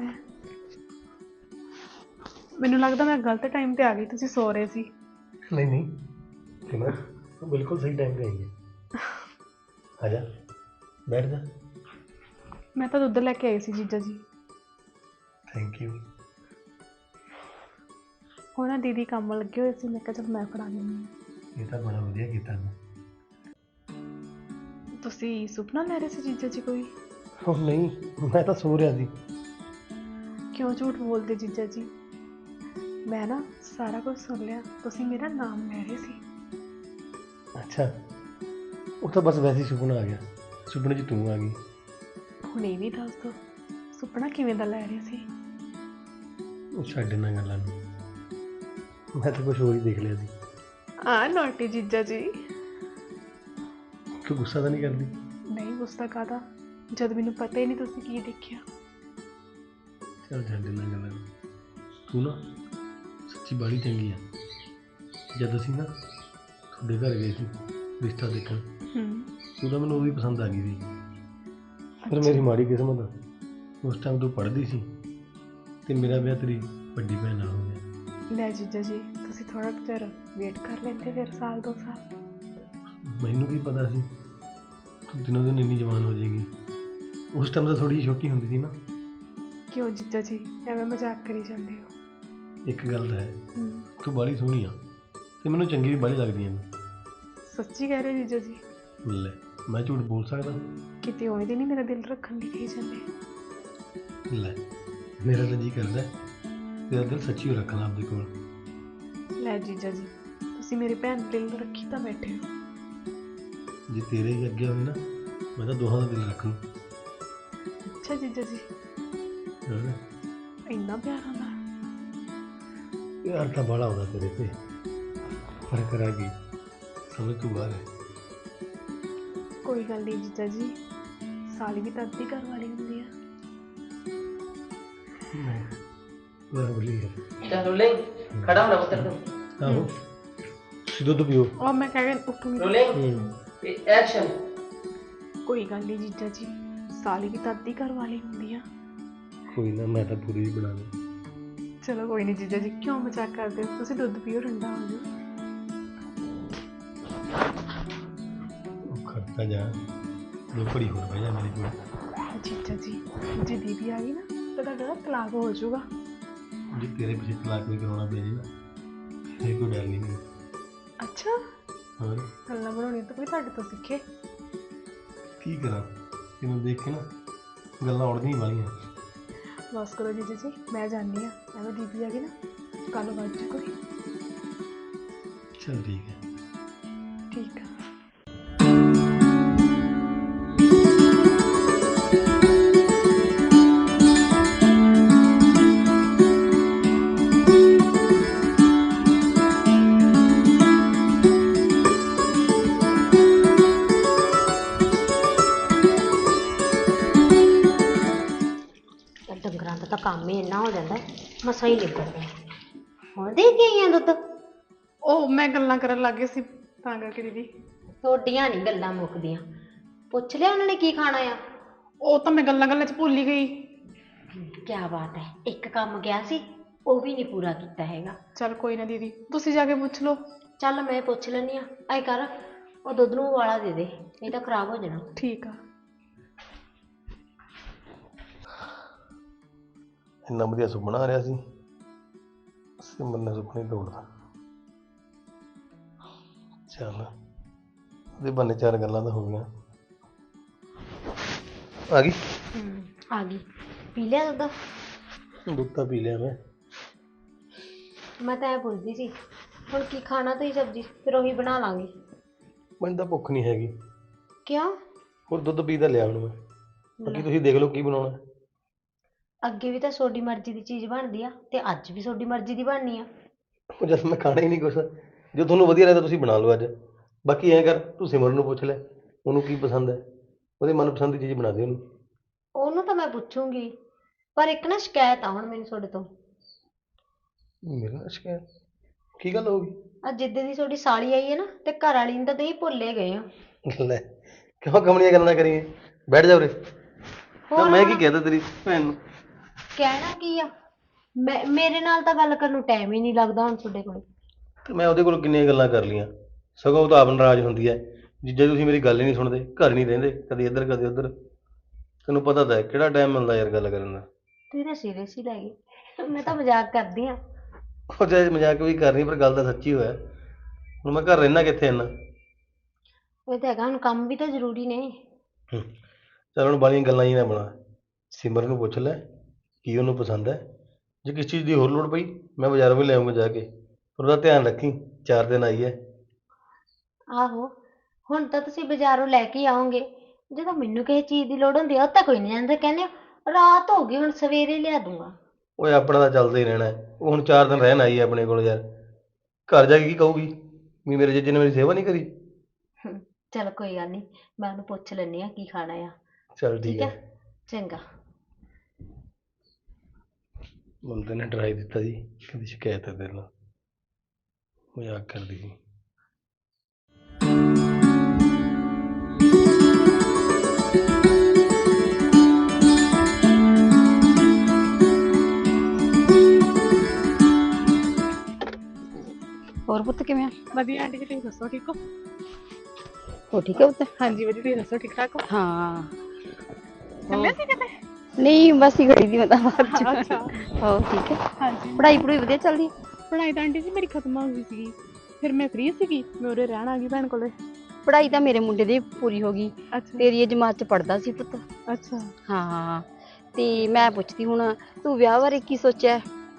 ਮੈਨੂੰ ਲੱਗਦਾ ਮੈਂ ਗਲਤ ਟਾਈਮ ਤੇ ਆ ਗਈ, ਤੁਸੀਂ ਸੋ ਰਹੇ ਸੀ। ਨਹੀਂ ਨਹੀਂ ਸਿਮਰਨ ਤੂੰ ਬਿਲਕੁਲ ਸਹੀ ਟਾਈਮ ਤੇ ਆਈ ਹੈ। ਆ ਜਾ ਬੈਠ ਜਾ। ਮੈਂ ਤਾਂ ਦੁੱਧ ਲੈ ਕੇ ਆਈ ਸੀ ਜੀਜਾ ਜੀ। Thank you. ਉਹ ਨਾ ਦੀਦੀ ਕੰਮ ਲੱਗੇ ਹੋਏ ਸੀ, ਮੈਂ ਕਿਹਾ ਚਲ ਮੈਂ ਫੜਾ ਦਿੰਦੀ ਹਾਂ। ਇਹ ਤਾਂ ਬੜਾ ਵਧੀਆ ਕੀਤਾ ਮੈਂ। ਤੁਸੀਂ ਸੁਪਨਾ ਲੈ ਰਹੇ ਸੀ ਜੀਜਾ ਜੀ ਕੋਈ? ਉਹ ਨਹੀਂ, ਮੈਂ ਤਾਂ ਸੋ ਰਿਹਾ ਸੀ। ਕਿਉਂ ਝੂਠ ਬੋਲਦੇ ਜੀਜਾ ਜੀ? ਮੈਂ ਨਾ ਸਾਰਾ ਕੁਝ ਸੁਣ ਲਿਆ, ਤੁਸੀਂ ਮੇਰਾ ਨਾਮ ਲੈ ਰਹੇ ਸੀ। ਅੱਛਾ, ਉਹ ਤਾਂ ਬਸ ਵੈਸੇ ਹੀ ਸੁਪਨਾ ਆ ਗਿਆ। ਸੁਪਨੇ 'ਚ ਤੂੰ ਆ ਗਈ। ਹੁਣ ਇਹ ਵੀ ਦੱਸ ਦਿਓ, ਸੁਪਨਾ ਕਿਵੇਂ ਦਾ ਲੈ ਰਹੇ ਸੀ? ਉਹ ਛੱਡ ਇਹਨਾਂ ਗੱਲਾਂ ਨੂੰ, ਮੈਂ ਤਾਂ ਕੁਛ ਹੋਰ ਹੀ ਦੇਖ ਲਿਆ ਸੀ। ਨੋਟੀ ਜੀਜਾ ਜੀ। ਤੂੰ ਗੁੱਸਾ ਤਾਂ ਨਹੀਂ ਕਰਦੀ? ਨਹੀਂ ਗੁੱਸਾ ਕਾਹਦਾ, ਜਦ ਮੈਨੂੰ ਪਤਾ ਹੀ ਨਹੀਂ ਤੁਸੀਂ ਕੀ ਦੇਖਿਆ। ਚੱਲ ਛੱਡ ਇਹਨਾਂ ਗੱਲਾਂ ਨੂੰ। ਤੂੰ ਨਾ ਸੱਚੀ ਬਾਹਲੀ ਚੰਗੀ ਆ। ਜਦ ਅਸੀਂ ਨਾ ਤੁਹਾਡੇ ਘਰ ਗਏ ਸੀ ਰਿਸ਼ਤਾ ਦੇਖਣ, ਤੂੰ ਤਾਂ ਮੈਨੂੰ ਉਹ ਵੀ ਪਸੰਦ ਆ ਗਈ ਸੀ। ਫਿਰ ਮੇਰੀ ਮਾੜੀ ਕਿਸਮਤ, ਉਸ ਟਾਈਮ ਤੂੰ ਪੜ੍ਹਦੀ ਸੀ ਤੇ ਮੇਰਾ ਵਿਆਹ ਤੇਰੀ ਵੱਡੀ ਭੈਣ ਨਾਲ ਹੋ ਗਿਆ। ਲੈ ਜੀਜਾ ਜੀ, ਤੁਸੀਂ ਥੋੜਾ ਚਿਰ ਵੇਟ ਕਰ ਲੈਂਦੇ, ਫਿਰ ਸਾਲ 2 ਸਾਲ। ਮੈਨੂੰ ਕੀ ਪਤਾ ਸੀ ਤੂੰ ਦਿਨੋਂ ਦਿਨ ਇੰਨੀ ਜਵਾਨ ਹੋ ਜਾਏਗੀ। ਉਸ ਟਾਈਮ ਤਾਂ ਥੋੜੀ ਜਿਹੀ ਛੋਟੀ ਹੁੰਦੀ ਸੀ ਨਾ। ਕਿਉਂ ਜੀਜਾ ਜੀ ਐਵੇਂ ਮਜ਼ਾਕ ਕਰੀ ਜਾਂਦੇ ਹੋ? ਇੱਕ ਗੱਲ ਤਾਂ ਹੈ, ਤੂੰ ਬਾਹਲੀ ਸੋਹਣੀ ਆ ਤੇ ਮੈਨੂੰ ਚੰਗੀ ਵੀ ਬਾਹਲੀ ਲੱਗਦੀ ਆ। ਸੱਚੀ ਕਹਿ ਰਹੇ ਜੀਜਾ ਜੀ? ਲੈ ਮੈਂ ਝੂਠ ਬੋਲ ਸਕਦਾ? ਕਿਤੇ ਉਵੇਂ ਦੀ ਨਹੀਂ ਮੇਰਾ ਦਿਲ ਰੱਖਣ ਲਈ ਕਹੀ ਜਾਂਦੇ। ਲੈ ਮੇਰਾ ਤਾਂ ਜੀ ਕਰਦਾ ਤੇਰਾ ਦਿਲ ਸੱਚੀ ਹੋ ਰੱਖਣਾ ਆਪਦੇ ਕੋਲ। ਲੈ ਜੀਜਾ ਜੀ, ਤੁਸੀਂ ਮੇਰੀ ਭੈਣ ਦਾ ਦਿਲ ਰੱਖੀ ਤਾਂ ਬੈਠੇ ਹੋ। ਜੇ ਤੇਰੇ ਹੀ ਅੱਗੇ ਹੋਵੇ ਨਾ, ਮੈਂ ਤਾਂ ਦੋਹਾਂ ਦਾ ਦਿਲ ਰੱਖ ਲੂੰ। ਅੱਛਾ ਜੀਜਾ ਜੀ, ਹੋਰ ਇੰਨਾ ਪਿਆਰ ਆਉਂਦਾ? ਪਿਆਰ ਤਾਂ ਬਾਹਲਾ ਆਉਂਦਾ ਤੇਰੇ ਤੇ, ਪਰ ਕਰਾਂ ਕੀ, ਸਮਝ ਤੂੰ ਬਾਹਰ ਹੈ। ਕੋਈ ਗੱਲ ਨਹੀਂ ਜੀਜਾ ਜੀ, ਸਾਲੀ ਵੀ ਤਾਂ ਅੱਧੀ ਘਰ ਵਾਲੀ ਹੁੰਦੀ ਆ। ਮੈਂ ਬੋਲੀ ਯਾਰ। ਚੱਲ ਰੋਲਿੰਗ ਖੜਾ ਹੋਣਾ ਪੁੱਤਰ ਤੂੰ। ਆਹੋ ਤੁਸੀਂ ਦੁੱਧ ਪੀਓ। ਉਹ ਮੈਂ ਕਹਿ ਉੱਠੂਗੀ। ਰੋਲਿੰਗ ਤੇ ਐਕਸ਼ਨ। ਕੋਈ ਗੱਲ ਨਹੀਂ ਜੀਜਾ ਜੀ, ਸਾਲੀ ਵੀ ਤਾਂ ਅੱਧੀ ਘਰ ਵਾਲੀ ਹੁੰਦੀ ਆ। ਕੋਈ ਨਾ, ਮੈਂ ਤਾਂ ਪੂਰੀ ਹੀ ਬਣਾ ਲਈ। ਚਲੋ ਕੋਈ ਨਹੀਂ ਜੀਜਾ ਜੀ, ਕਿਉਂ ਮਜ਼ਾਕ ਕਰਦੇ ਹੋ? ਤੁਸੀਂ ਦੁੱਧ ਪੀਓ, ਠੰਡਾ ਹੋ ਜਾਓ। ਉਹ ਖੜਤਾ ਜਾ, ਦੋ ਘੜੀ ਹੋਰ ਬਹਿ ਜਾ ਮੇਰੇ ਕੋਲ। ਜੀਜਾ ਜੀ, ਜੇ ਦੀਦੀ ਆ ਗਈ ਨਾ ਤਾਂ ਤੁਹਾਡਾ ਤਲਾਕ ਹੋ ਜਾਊਗਾ। ਜੇ ਤੇਰੇ ਪਿੱਛੇ ਤਲਾਕ ਵੀ ਕਰਾਉਣਾ ਪੈ ਜੇ ਨਾ, ਫਿਰ ਕੋਈ ਡਰ ਨਹੀਂ ਮੈਨੂੰ। ਅੱਛਾ, ਹੋਰ ਗੱਲਾਂ ਬਣਾਉਣੀ ਤਾਂ ਕੋਈ ਤੁਹਾਡੇ ਤੋਂ ਸਿੱਖੇ। ਕੀ ਕਰਾਂ, ਤੈਨੂੰ ਦੇਖ ਕੇ ਨਾ ਗੱਲਾਂ ਉੜਦੀਆਂ ਵਾਲੀਆਂ। ਬਸ ਕਰੋ ਜੀਜਾ ਜੀ, ਮੈਂ ਜਾਂਦੀ ਹਾਂ। ਐਵੇਂ ਦੀਦੀ ਆ ਗਈ ਨਾ, ਕੱਲ ਵੱਜ ਜੂ ਕੋਈ। ਚੱਲ ਠੀਕ ਹੈ। ਠੀਕ ਆ। ਡੰਗਰਾਂ ਦਾ ਤਾਂ ਕੰਮ ਹੀ ਇੰਨਾ ਹੋ ਜਾਂਦਾ, ਮਸਾਂ ਹੀ ਨਿਬੜਦਾ। ਹੁਣ ਦੇ ਕੇ ਆਈਆਂ ਦੁੱਧ? ਉਹ ਮੈਂ ਗੱਲਾਂ ਕਰਨ ਲੱਗ ਗਈ ਸੀ ਤਾਂ ਕਰਕੇ ਦੀਦੀ। ਤੁਹਾਡੀਆਂ ਨਹੀਂ ਗੱਲਾਂ ਮੁੱਕਦੀਆਂ। ਪੁੱਛ ਲਿਆ ਉਹਨਾਂ ਨੇ ਕੀ ਖਾਣਾ ਆ? ਉਹ ਤਾਂ ਮੈਂ ਗੱਲਾਂ ਗੱਲਾਂ 'ਚ ਭੁੱਲ ਹੀ ਗਈ। ਕਿਆ ਬਾਤ ਹੈ, ਇੱਕ ਕੰਮ ਗਿਆ ਸੀ ਉਹ ਵੀ ਨਹੀਂ ਪੂਰਾ ਕੀਤਾ ਹੈਗਾ। ਚੱਲ ਕੋਈ ਨਾ ਦੀਦੀ, ਤੁਸੀਂ ਜਾ ਕੇ ਪੁੱਛ ਲਓ। ਚੱਲ ਮੈਂ ਪੁੱਛ ਲੈਂਦੀ ਹਾਂ। ਐ ਕਰ, ਉਹ ਦੁੱਧ ਨੂੰ ਉਬਾਲਾ ਦੇ ਦੇ, ਨਹੀਂ ਤਾਂ ਖਰਾਬ ਹੋ ਜਾਣਾ। ਠੀਕ ਆ। ਇੰਨਾ ਵਧੀਆ ਸੁਪਨਾ ਆ ਰਿਹਾ ਸੀ, ਸਿਮਰਨ ਨੇ ਸੁਪਨਾ ਹੀ ਤੋੜਦਾ। ਚੱਲ ਉਹਦੇ ਬੰਨੇ ਚਾਰ ਗੱਲਾਂ ਤਾਂ ਹੋ ਗਈਆਂ। ਆ ਗਈ? ਆ ਗਈ। ਪੀ ਲਿਆ ਦੁੱਧ? ਦੁੱਧ ਤਾਂ ਪੀ ਲਿਆ ਮੈਂ ਤਾਂ ਐ ਪੁੱਛਦੀ ਸੀ, ਹੁਣ ਕੀ ਖਾਣਾ? ਤੁਸੀਂ ਸਬਜ਼ੀ ਫਿਰ ਉਹੀ ਬਣਾ ਲਾਂਗੇ। ਮੈਨੂੰ ਤਾਂ ਭੁੱਖ ਨਹੀਂ ਹੈਗੀ। ਕਿਉਂ? ਹੋਰ ਦੁੱਧ ਪੀ ਤਾਂ ਲਿਆ ਹੁਣ ਮੈਂ, ਬਾਕੀ ਤੁਸੀਂ ਦੇਖ ਲਓ ਕੀ ਬਣਾਉਣਾ। ਅੱਗੇ ਵੀ ਤਾਂ ਤੁਹਾਡੀ ਮਰਜ਼ੀ ਦੀ ਚੀਜ਼ ਬਣਦੀ ਆ, ਤੇ ਅੱਜ ਵੀ ਤੁਹਾਡੀ ਮਰਜ਼ੀ ਦੀ ਬਣਨੀ ਆ। ਉਹ ਜਦ ਮੈਂ ਖਾਣਾ ਹੀ ਨਹੀਂ ਕੁਛ, ਜੋ ਤੁਹਾਨੂੰ ਵਧੀਆ ਲੱਗਦਾ ਤੁਸੀਂ ਬਣਾ ਲਓ ਅੱਜ। ਬਾਕੀ ਐਂ ਕਰ, ਤੂੰ ਸਿਮਰਨ ਨੂੰ ਪੁੱਛ ਲੈ ਉਹਨੂੰ ਕੀ ਪਸੰਦ ਹੈ। ਉਹਦੀ ਮਨਪਸੰਦ ਦੀ ਚੀਜ਼ ਬਣਾ ਦੇ ਉਹਨੂੰ। ਉਹਨੂੰ ਤਾਂ ਮੈਂ ਪੁੱਛੂੰਗੀ, ਪਰ ਇੱਕ ਨਾ ਸ਼ਿਕਾਇਤ ਆ ਹੁਣ ਮੈਨੂੰ ਤੁਹਾਡੇ ਤੋਂ। ਮੇਰੇ ਨਾਲ ਸ਼ਿਕਾਇਤ? ਕੀ ਗੱਲ ਹੋ ਗਈ? ਅੱਜ ਜਿੱਦੇ ਦੀ ਤੁਹਾਡੀ ਸਾਲੀ ਆਈ ਹੈ ਨਾ, ਤੇ ਘਰ ਵਾਲੀ ਨੂੰ ਤਾਂ ਤੁਸੀਂ ਭੁੱਲੇ ਗਏ ਹੋ। ਲੈ, ਕਿਉਂ ਕਮਲੀਆਂ ਗੱਲਾਂ ਕਰੀਏ? ਬੈਠ ਜਾ ਉਰੇ। ਹੋਰ ਮੈਂ ਕੀ ਹੁਣ ਕਹਿਤਾ ਤੇਰੀ ਭੈਣ ਨੂੰ? ਕਹਿਣਾ ਕੀ ਆ? ਮੇਰੇ ਨਾਲ ਤਾਂ ਗੱਲ ਕਰਨ ਨੂੰ ਟਾਈਮ ਹੀ ਨਹੀਂ ਲੱਗਦਾ ਹੁਣ ਤੁਹਾਡੇ ਕੋਲ। ਤੇ ਮੈਂ ਉਹਦੇ ਕੋਲ ਕਿੰਨੀਆਂ ਗੱਲਾਂ ਕਰ ਲਈਆਂ, ਸਗੋਂ ਉਹ ਤਾਂ ਆਪ ਨਾਰਾਜ਼ ਹੁੰਦੀ ਹੈ। ਜੀਜਾ ਤੁਸੀਂ ਮੇਰੀ ਗੱਲ ਹੀ ਨਹੀਂ ਸੁਣਦੇ, ਘਰ ਨਹੀਂ ਰਹਿੰਦੇ, ਕਦੇ ਇੱਧਰ ਕਦੇ ਉੱਧਰ। ਤੈਨੂੰ ਪਤਾ ਤਾਂ ਹੈ ਕਿਹੜਾ ਟਾਈਮ ਮਿਲਦਾ ਯਾਰ ਗੱਲ ਕਰਨ ਦਾ। ਤੁਸੀਂ ਤਾਂ ਸੀਰੀਅਸ ਹੀ ਲੈ ਗਏ। ਮੈਂ ਤਾਂ ਮਜ਼ਾਕ ਕਰਦੀ ਆ। ਉਹ ਚਾਹੇ ਮਜ਼ਾਕ ਵੀ ਕਰਨੀ, ਪਰ ਗੱਲ ਤਾਂ ਸੱਚੀ ਹੋਇਆ। ਹੁਣ ਮੈਂ ਘਰ ਰਹਿਣਾ ਕਿੱਥੇ ਇੰਨਾ? ਇਹ ਤਾਂ ਹੈਗਾ, ਹੁਣ ਕੰਮ ਵੀ ਤਾਂ ਜ਼ਰੂਰੀ ਨੇ। ਚੱਲ ਹੁਣ ਬਾਲੀਆਂ ਗੱਲਾਂ ਹੀ ਨਾ ਬਣਾ। ਸਿਮਰ ਨੂੰ ਪੁੱਛ ਲੈ ਕੀ ਉਹਨੂੰ ਪਸੰਦ ਹੈ। ਜੇ ਕਿਸ ਚੀਜ਼ ਦੀ ਹੋਰ ਲੋੜ ਪਈ ਮੈਂ ਬਾਜ਼ਾਰੋਂ ਵੀ ਲੈ ਆਊਂਗਾ ਜਾ ਕੇ। ਪਰ ਉਹਦਾ ਧਿਆਨ ਰੱਖੀ, 4 ਦਿਨ ਆਈ ਹੈ। ਆਹੋ, ਹੁਣ ਤਾਂ ਤੁਸੀਂ ਬਾਜ਼ਾਰੋਂ ਲੈ ਕੇ ਆਓਗੇ। ਜਦੋਂ ਮੈਨੂੰ ਕਿਸੇ ਚੀਜ਼ ਦੀ ਲੋੜ ਹੁੰਦੀ ਆ, ਉਹ ਤਾਂ ਕੋਈ ਨਹੀਂ ਜਾਂਦਾ, ਕਹਿੰਦੇ ਹੋ, ਰਾਤ ਹੋ ਗਈ ਹੁਣ ਸਵੇਰੇ ਲਿਆ ਦੂੰਗਾ। ਓਏ ਆਪਣਾ ਤਾਂ ਚੱਲਦਾ ਹੀ ਰਹਿਣਾ ਹੈ। ਉਹ ਹੁਣ 4 ਦਿਨ ਰਹਿਣ ਆਈ ਹੈ ਆਪਣੇ ਕੋਲ ਯਾਰ। ਘਰ ਜਾ ਕੇ ਕੀ ਕਹੂਗੀ ਵੀ ਮੇਰੇ ਜੀਜੇ ਨੇ ਮੇਰੀ ਸੇਵਾ ਨਹੀਂ ਕਰੀ? ਚਲ ਕੋਈ ਗੱਲ ਨਹੀਂ, ਮੈਂ ਉਹਨੂੰ ਪੁੱਛ ਲੈਂਦੀ ਆ ਕੀ ਖਾਣਾ ਆ। ਚੱਲ ਠੀਕ ਠੀਕ ਹੈ, ਹੈ। ਚੰਗਾ। ਮੁੰਡੇ ਨੇ ਡਰਾਈ ਦਿੱਤਾ ਜੀ, ਕਹਿੰਦੀ ਸ਼ਿਕਾਇਤ ਹੈ ਤੇਰੇ ਨਾਲ। ਮਜ਼ਾਕ ਕਰਦੀ ਸੀ। ਹੋਰ ਪੁੱਤ ਕਿਵੇਂ ਆ? ਵਧੀਆ ਆਂਟੀ ਜੀ, ਤੁਸੀਂ ਦੱਸੋ ਠੀਕ ਹੋ? ਹੋ ਠੀਕ ਹੈ ਪੁੱਤ? ਹਾਂਜੀ ਵਧੀਆ, ਤੁਸੀਂ ਦੱਸੋ ਠੀਕ ਠਾਕ ਹੋ? ਹਾਂ। ਚੱਲੇ ਸੀ ਕਿਤੇ? ਨਹੀਂ ਬਸ ਹੀ ਖੜੀ ਦੀ ਮੈਂ ਤਾਂ ਬਾਅਦ ਚ। ਅੱਛਾ। ਹੋ ਠੀਕ ਹੈ? ਹਾਂਜੀ। ਪੜ੍ਹਾਈ ਪੜੂਈ ਵਧੀਆ ਚੱਲਦੀ? ਪੜ੍ਹਾਈ ਤਾਂ ਆਂਟੀ ਜੀ ਮੇਰੀ ਖਤਮ ਹੋ ਗਈ ਸੀਗੀ, ਫਿਰ ਮੈਂ ਫ੍ਰੀ ਸੀਗੀ, ਮੈਂ ਉਰੇ ਰਹਿਣ ਆ ਗਈ ਭੈਣ ਕੋਲੇ। ਪੜ੍ਹਾਈ ਤਾਂ ਮੇਰੇ ਮੁੰਡੇ ਦੀ ਪੂਰੀ ਹੋ ਗਈ। ਅੱਛਾ। ਤੇਰੀ ਇਹ ਜਮਾਤ ਚ ਪੜ੍ਹਦਾ ਸੀ ਪੁੱਤ। ਅੱਛਾ। ਹਾਂ ਤੇ ਮੈਂ ਪੁੱਛਦੀ ਹੁਣ, ਤੂੰ ਵਿਆਹ ਬਾਰੇ ਕੀ ਸੋਚਿਆ?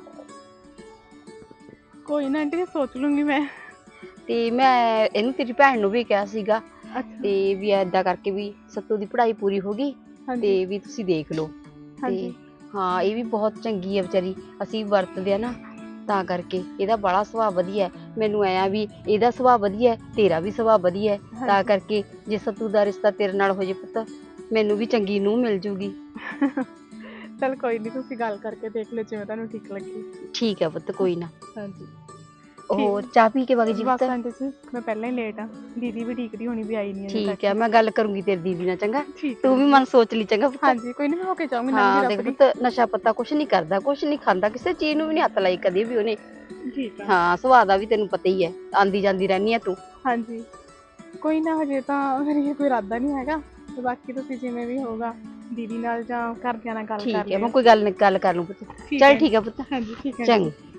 ਕੋਈ ਨਾ ਆਂਟੀ ਜੀ, ਸੋਚ ਲੂੰਗੀ ਮੈਂ। ਤੇ ਮੈਂ ਇਹਨੂੰ ਤੇਰੀ ਭੈਣ ਨੂੰ ਵੀ ਕਿਹਾ ਸੀਗਾ ਅੱਛਾ। ਤੇ ਵੀ ਏਦਾਂ ਕਰਕੇ ਵੀ ਸੱਤੂ ਦੀ ਪੜ੍ਹਾਈ ਪੂਰੀ ਹੋ ਗਈ ਹਾਂਜੀ। ਤੇ ਵੀ ਤੁਸੀਂ ਦੇਖ ਲਓ। ਹਾਂਜੀ। ਤੇ ਹਾਂ ਇਹ ਵੀ ਬਹੁਤ ਚੰਗੀ ਹੈ ਵਿਚਾਰੀ, ਅਸੀਂ ਵਰਤਦੇ ਆ ਨਾ ਤਾਂ ਕਰਕੇ। ਇਹਦਾ ਬੜਾ ਸੁਭਾਅ ਵਧੀਆ ਹੈ। ਮੈਨੂੰ ਐਂ ਵੀ ਇਹਦਾ ਸੁਭਾਅ ਵਧੀਆ ਹੈ, ਤੇਰਾ ਵੀ ਸੁਭਾਅ ਵਧੀਆ ਹੈ, ਤਾਂ ਹਾਂਜੀ। ਕਰਕੇ ਜੇ ਸੱਤੂ ਦਾ ਰਿਸ਼ਤਾ ਤੇਰੇ ਨਾਲ ਹੋ ਜੇ ਪੁੱਤ, ਮੈਨੂੰ ਵੀ ਚੰਗੀ ਨੂੰਹ ਮਿਲ ਜੂਗੀ। ਚਲ ਕੋਈ ਨਹੀਂ, ਤੁਸੀਂ ਗੱਲ ਕਰਕੇ ਦੇਖ ਲਿਓ ਜਿਵੇਂ ਤੁਹਾਨੂੰ ਠੀਕ ਲੱਗੇ। ਠੀਕ ਹੈ ਪੁੱਤ, ਕੋਈ ਨਾ। ਹਾਂਜੀ। ਹੋਰ ਚਾਹ ਪੀ ਕੇ ਵਗ ਜੀ ਪੁੱਤ? ਬਸ ਆਂਟੀ ਜੀ ਮੈਂ ਪਹਿਲਾਂ ਹੀ ਲੇਟ ਆ, ਦੀਦੀ ਵੀ ਢੀਕਦੀ ਹੋਣੀ ਵੀ ਆਈ ਨਹੀਂ ਅਜੇ ਠੀਕ ਤੱਕ। ਹੈ, ਮੈਂ ਗੱਲ ਕਰੂੰਗੀ ਤੇਰੀ ਦੀਦੀ ਨਾਲ, ਚੰਗਾ? ਠੀਕ ਹੈ ਤੂੰ ਵੀ ਮਨ ਸੋਚ ਲਈ, ਚੰਗਾ ਪੁੱਤ? ਹਾਂਜੀ ਕੋਈ ਨਹੀਂ, ਮੈਂ ਹੋ ਕੇ ਜਾਊਂਗੀ ਨੰਗੀ ਹਾਂ ਦੇਖ ਰੱਬੜੀ। ਪੁੱਤ, ਨਸ਼ਾ ਪੱਤਾ ਕੁਛ ਨਹੀਂ ਕਰਦਾ, ਕੁਛ ਨਹੀਂ ਖਾਂਦਾ, ਕਿਸੇ ਚੀਜ਼ ਨੂੰ ਵੀ ਨਹੀਂ ਹੱਥ ਲਾਈ ਕਦੇ ਵੀ ਉਹਨੇ। ਠੀਕ ਆ। ਹਾਂ ਸੁਭਾਅ ਦਾ ਵੀ ਤੈਨੂੰ ਪਤਾ ਹੀ ਹੈ, ਆਂਦੀ ਜਾਂਦੀ ਰਹਿੰਦੀ ਹੈ ਤੂੰ। ਹਾਂਜੀ ਕੋਈ ਨਾ, ਹਜੇ ਤਾਂ ਮੇਰੀ ਕੋਈ ਇਰਾਦਾ ਨਹੀਂ ਹੈਗਾ, ਤੇ ਬਾਕੀ ਤੁਸੀਂ ਜਿਵੇਂ ਵੀ ਹੋਊਗਾ ਦੀਦੀ ਨਾਲ ਜਾਂ ਘਰਦਿਆਂ ਨਾਲ ਗੱਲ ਕਰ ਠੀਕ ਹੈ, ਮੈਂ ਲਿਓ। ਕੋਈ ਗੱਲ ਕਰ ਲੂੰ ਪੁੱਤ। ਠੀਕ ਚੱਲ ਹੈ। ਠੀਕ ਹੈ ਪੁੱਤ, ਹਾਂਜੀ ਠੀਕ ਹੈ ਚੰਗਾ। ਆਂਟੀ।